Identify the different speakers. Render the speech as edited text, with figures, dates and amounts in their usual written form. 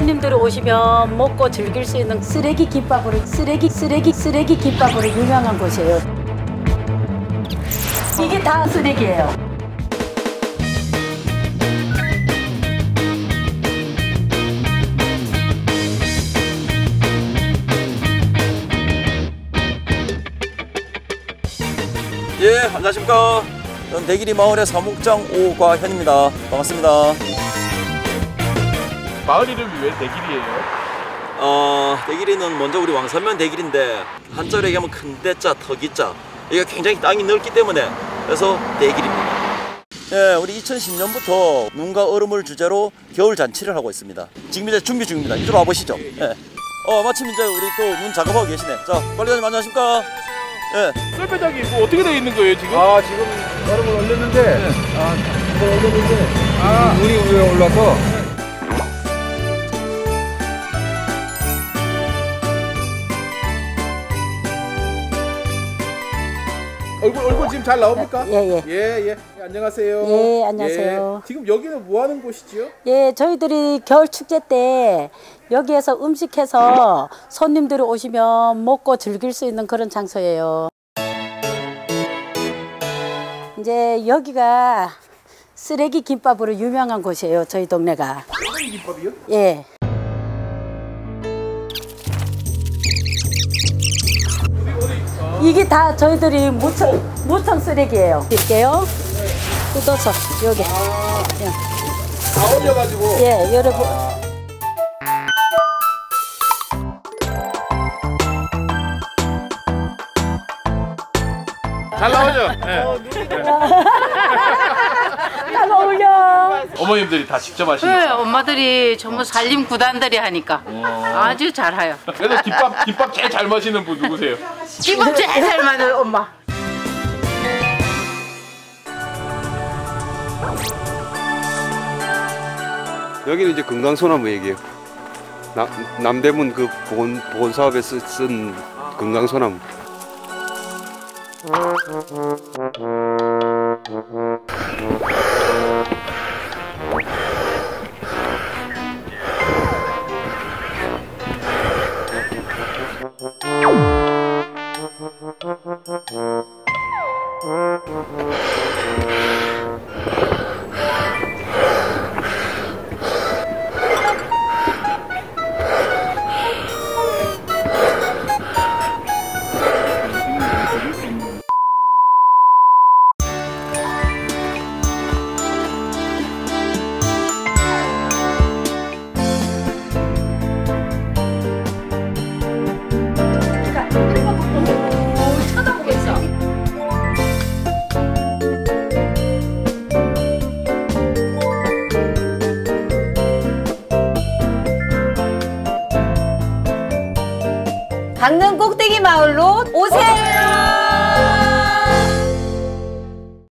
Speaker 1: 손님들이 오시면 먹고 즐길 수 있는 쓰레기 김밥으로 쓰레기 김밥으로 유명한 곳이에요. 이게 다 쓰레기예요.
Speaker 2: 예, 안녕하십니까. 저는 대길이 마을의 사목장 오과현입니다. 반갑습니다.
Speaker 3: 마을 이름이 왜 대길이에요?
Speaker 2: 대길이는 먼저 우리 왕산면 대길인데 한자로 얘기하면 큰 대자, 터기자. 이게 굉장히 땅이 넓기 때문에 그래서 대길입니다. 예, 우리 2010년부터 눈과 얼음을 주제로 겨울 잔치를 하고 있습니다. 지금 이제 준비 중입니다. 이쪽으로 와보시죠. 예. 마침 이제 우리 또 눈 작업하고 계시네. 자, 관리자님 안녕하십니까? 예.
Speaker 3: 썰배작이 뭐 어떻게 되어 있는 거예요 지금?
Speaker 4: 지금 얼음을 올렸는데, 이걸 올렸는데, 물이 위에 올라서. 얼굴 지금 잘 나옵니까?
Speaker 1: 예.
Speaker 4: 예, 안녕하세요.
Speaker 1: 예, 안녕하세요.
Speaker 4: 예, 지금 여기는 뭐 하는 곳이지요?
Speaker 1: 예, 저희들이 겨울 축제 때 여기에서 음식해서 손님들이 오시면 먹고 즐길 수 있는 그런 장소예요. 이제 여기가 쓰레기 김밥으로 유명한 곳이에요, 저희 동네가.
Speaker 4: 쓰레기 김밥이요?
Speaker 1: 예. 이게 다 저희들이 무청 쓰레기예요. 드릴게요. 뜯어서 여기.
Speaker 4: 다 올려가지고.
Speaker 1: 예, 여러분.
Speaker 3: 잘 나오죠? 네.
Speaker 1: 잘 어울려.
Speaker 3: 어머님들이 다 직접 하시니까.
Speaker 5: 네, 엄마들이 전부 살림 구단들이 하니까 아주 잘해요.
Speaker 3: 그래서 김밥 제일 잘 마시는 분 누구세요?
Speaker 5: 김밥 제일 잘 만든 엄마.
Speaker 6: 여기는 이제 금강소나무 얘기예요. 남대문 그 보건 사업에 쓴 금강소나무.
Speaker 7: 강릉 꼭대기 마을로 오세요.